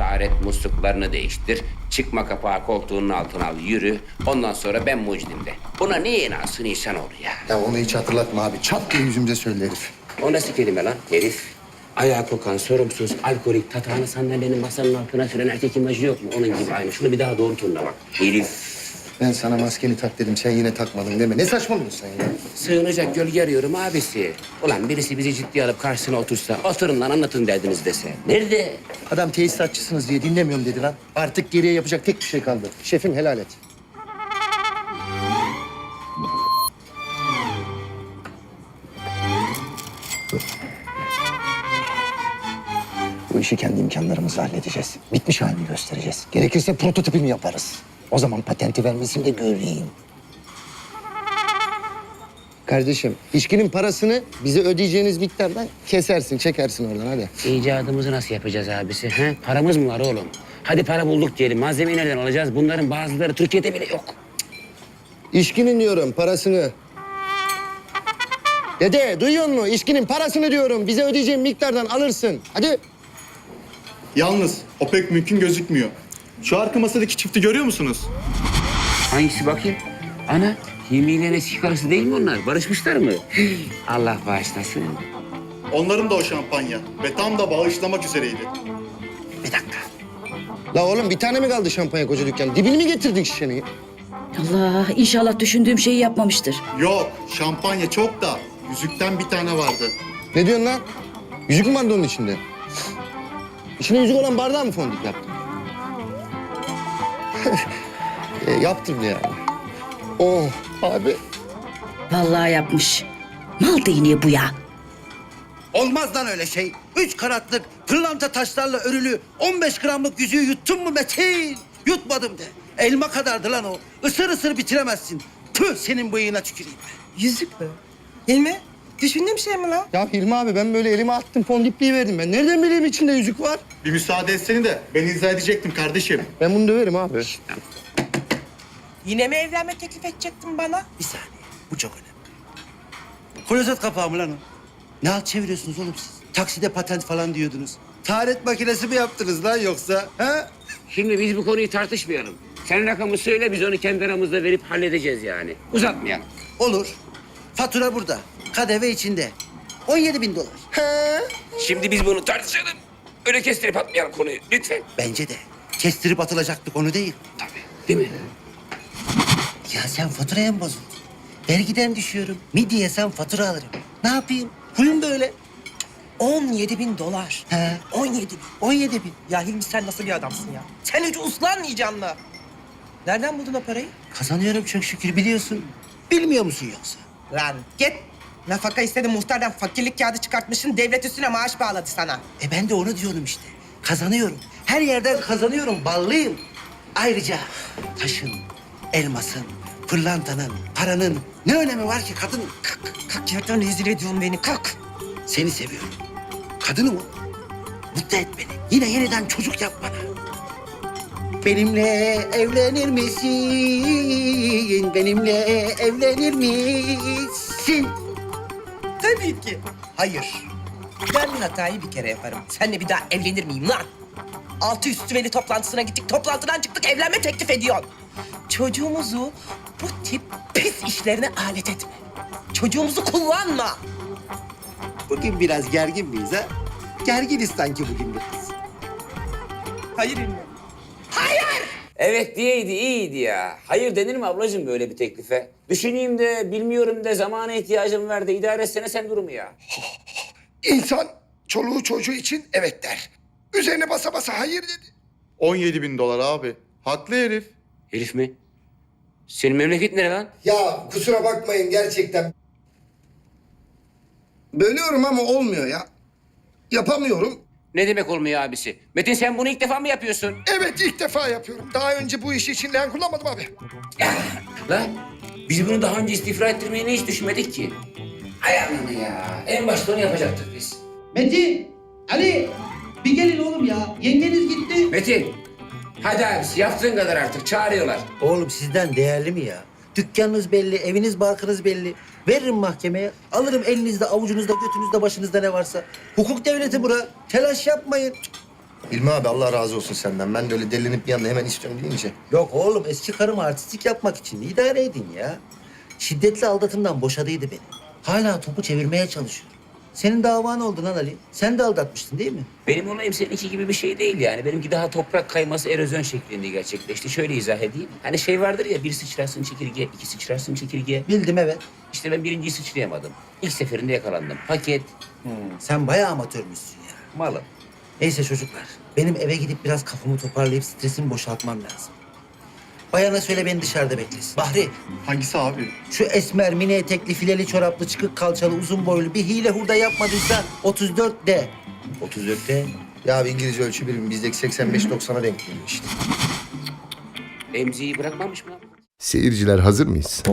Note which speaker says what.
Speaker 1: tahtar et, musluklarını değiştir. Çıkma kapağı koltuğunun altına al, yürü. Ondan sonra ben mucidim de. Buna niye inansın insanoğlu ya?
Speaker 2: Ya onu hiç hatırlatma abi. Çat diye yüzümüze söyle herif.
Speaker 1: O nasıl kelime lan herif? Ayağı kokan, sorumsuz, alkolik, tatağını sandalyenin masanın altına süren erkek imajı yok mu? Onun gibi aynı. Şunu bir daha doğru turuna bak. Herif.
Speaker 2: Ben sana maskeni tak dedim. Sen yine takmadın deme. Ne saçmalıyorsun sen ya?
Speaker 1: Sığınacak gölge arıyorum abisi. Ulan birisi bizi ciddiye alıp karşısına otursa, oturun lan anlatın derdiniz dese. Nerede?
Speaker 2: Adam tesisatçısınız diye dinlemiyorum dedi lan. Artık geriye yapacak tek bir şey kaldı. Şefim helal et. Bu işi kendi imkanlarımızla halledeceğiz. Bitmiş halini göstereceğiz. Gerekirse prototipini yaparız. O zaman patenti vermesini de göreyim. Kardeşim, içkinin parasını bize ödeyeceğiniz miktardan kesersin, çekersin oradan hadi.
Speaker 1: İcadımızı nasıl yapacağız abisi? He? Paramız mı var oğlum? Hadi para bulduk diyelim. Malzemeyi nereden alacağız? Bunların bazıları Türkiye'de bile yok.
Speaker 2: İçkinin diyorum parasını. Dede duyuyor musun? İçkinin parasını diyorum. Bize ödeyeceğin miktardan alırsın. Hadi.
Speaker 3: Yalnız o pek mümkün gözükmüyor. Şu arka masadaki çifti görüyor musunuz?
Speaker 1: Hangisi bakayım? Ana, Hilmi ile eski karısı değil mi onlar? Barışmışlar mı? Allah bağışlasın.
Speaker 3: Onların da o şampanya ve tam da bağışlamak üzereydi.
Speaker 1: Bir dakika.
Speaker 2: La oğlum bir tane mi kaldı şampanya koca dükkan? Dibini mi getirdin şişenin?
Speaker 4: Allah inşallah düşündüğüm şeyi yapmamıştır.
Speaker 3: Yok, şampanya çok da yüzükten bir tane vardı.
Speaker 2: Ne diyorsun lan? Yüzük mü vardı onun içinde? İçine yüzük olan bardağı mı fondip yaptın? Yaptım yani. Oh abi.
Speaker 4: Vallahi yapmış. Mal değneği bu ya.
Speaker 5: Olmaz lan öyle şey. 3 karatlık pırlanta taşlarla örülü 15 gramlık yüzüğü yuttun mu Metin? Yutmadım de. Elma kadardı lan o. Isır ısır bitiremezsin. Tüh senin bıyığına tüküreyim.
Speaker 6: Yüzük mü? Hilmi, düşündüğüm şey mi lan?
Speaker 2: Ya Hilmi abi ben böyle elime attım fondipliği verdim ben. Nereden bileyim içinde yüzük var?
Speaker 3: Bir müsaade etseni de ben izah edecektim kardeşim.
Speaker 2: Ben bunu döverim abi.
Speaker 6: Yine mi evlenme teklif edecektin bana?
Speaker 5: Bir saniye. Bu çok önemli. Klozet kapağı mı lan o? Ne halt çeviriyorsunuz oğlum siz? Takside patent falan diyordunuz. Taharet makinesi mi yaptınız lan yoksa? Ha?
Speaker 1: Şimdi biz bu konuyu tartışmayalım. Sen rakamı söyle, biz onu kendi aramızda verip halledeceğiz yani. Uzatmayalım.
Speaker 5: Olur. Fatura burada. KDV içinde. 17.000 dolar.
Speaker 1: Şimdi biz bunu tartışalım. Öyle kestirip atmayalım konuyu lütfen.
Speaker 5: Bence de. Kestirip atılacak bir konu değil.
Speaker 1: Tabii, değil mi?
Speaker 5: Ya sen faturaya mı bozuldun? Vergiden düşüyorum. Midye sen fatura alırım. Ne yapayım? Huyum böyle.
Speaker 6: 17.000 dolar.
Speaker 5: He.
Speaker 6: 17.000.
Speaker 5: 17.000.
Speaker 6: Ya Hilmi sen nasıl bir adamsın ya? Sen hiç uslanmayacaksın mı? Nereden buldun o parayı?
Speaker 5: Kazanıyorum çok şükür biliyorsun. Bilmiyor musun yoksa?
Speaker 6: Lan git. Nafaka istedi muhtardan fakirlik kağıdı çıkartmışsın. Devlet üstüne maaş bağladı sana.
Speaker 5: Ben de onu diyorum işte. Kazanıyorum. Her yerden kazanıyorum. Ballıyım. Ayrıca taşın, elmasın, pırlantanın, paranın ne önemi var ki kadın?
Speaker 6: Kalk yerden rezil ediyorsun beni kalk.
Speaker 5: Seni seviyorum. Kadınım o. Mutlu et beni. Yine yeniden çocuk yap bana. Benimle evlenir misin? Benimle evlenir misin?
Speaker 6: Tabii ki. Hayır. Ben hatayı bir kere yaparım. Seninle bir daha evlenir miyim lan? Altı üstü veli toplantısına gittik. Toplantıdan çıktık evlenme teklif ediyorsun. Çocuğumuzu bu tip pis işlerine alet etme. Çocuğumuzu kullanma.
Speaker 5: Bugün biraz gergin miyiz ha? Gerginiz sanki bugün biraz.
Speaker 6: Hayır Hilmi.
Speaker 1: Evet diyeydi, iyiydi ya. Hayır denir mi ablacığım böyle bir teklife? Düşüneyim de, bilmiyorum de, zamana ihtiyacım var da idare etsene sen durumu ya.
Speaker 7: İnsan çoluğu çocuğu için evet der. Üzerine basa basa hayır dedi.
Speaker 3: 17.000 dolar abi. Haklı herif.
Speaker 1: Herif mi? Senin memleket nere lan?
Speaker 2: Ya kusura bakmayın gerçekten. Bölüyorum ama olmuyor ya. Yapamıyorum.
Speaker 1: Ne demek olmuyor abisi? Metin sen bunu ilk defa mı yapıyorsun?
Speaker 7: Evet ilk defa yapıyorum. Daha önce bu işi için leğen kullanmadım abi.
Speaker 1: Lan biz bunu daha önce istifra ettirmeyi hiç düşünmedik ki. Hay Allah'ını ya. En başta onu yapacaktık biz.
Speaker 5: Metin, Ali bir gelin oğlum ya. Yengeniz gitti.
Speaker 1: Metin, hadi abisi yaptığın kadar artık çağırıyorlar.
Speaker 5: Oğlum sizden değerli mi ya? Dükkanınız belli, eviniz barkınız belli. Veririm mahkemeye, alırım elinizde, avucunuzda, götünüzde, başınızda ne varsa. Hukuk devleti bura. Telaş yapmayın.
Speaker 2: Hilmi abi Allah razı olsun senden. Ben de öyle delinip bir anda hemen istiyorum deyince.
Speaker 5: Yok oğlum eski karım artistik yapmak için idare edin ya. Şiddetli aldatımdan boşadıydı beni. Hala topu çevirmeye çalışıyor. Senin davan oldu lan Ali. Sen de aldatmıştın değil mi?
Speaker 1: Benim olayım seninki gibi bir şey değil yani. Benimki daha toprak kayması erozyon şeklinde gerçekleşti. Şöyle izah edeyim. Hani şey vardır ya, bir sıçrarsın çekirge, iki sıçrarsın çekirge.
Speaker 5: Bildim evet.
Speaker 1: İşte ben birinciyi sıçrayamadım. İlk seferinde yakalandım. Paket,
Speaker 5: Sen bayağı amatörmüşsün ya.
Speaker 1: malım.
Speaker 5: Neyse çocuklar. Benim eve gidip biraz kafamı toparlayıp stresimi boşaltmam lazım. Bayana söyle beni dışarıda beklesin. Bahri,
Speaker 3: Hangisi abi?
Speaker 5: şu esmer, mini etekli, fileli çoraplı, çıkık kalçalı, uzun boylu bir hile hurda yapmadıysa 34 de.
Speaker 1: 34'te
Speaker 2: Ya bir İngilizce ölçü birimi bizdeki 85-90'a denk geliyor işte.
Speaker 1: emziği bırakmamış mı?
Speaker 8: Seyirciler hazır mıyız?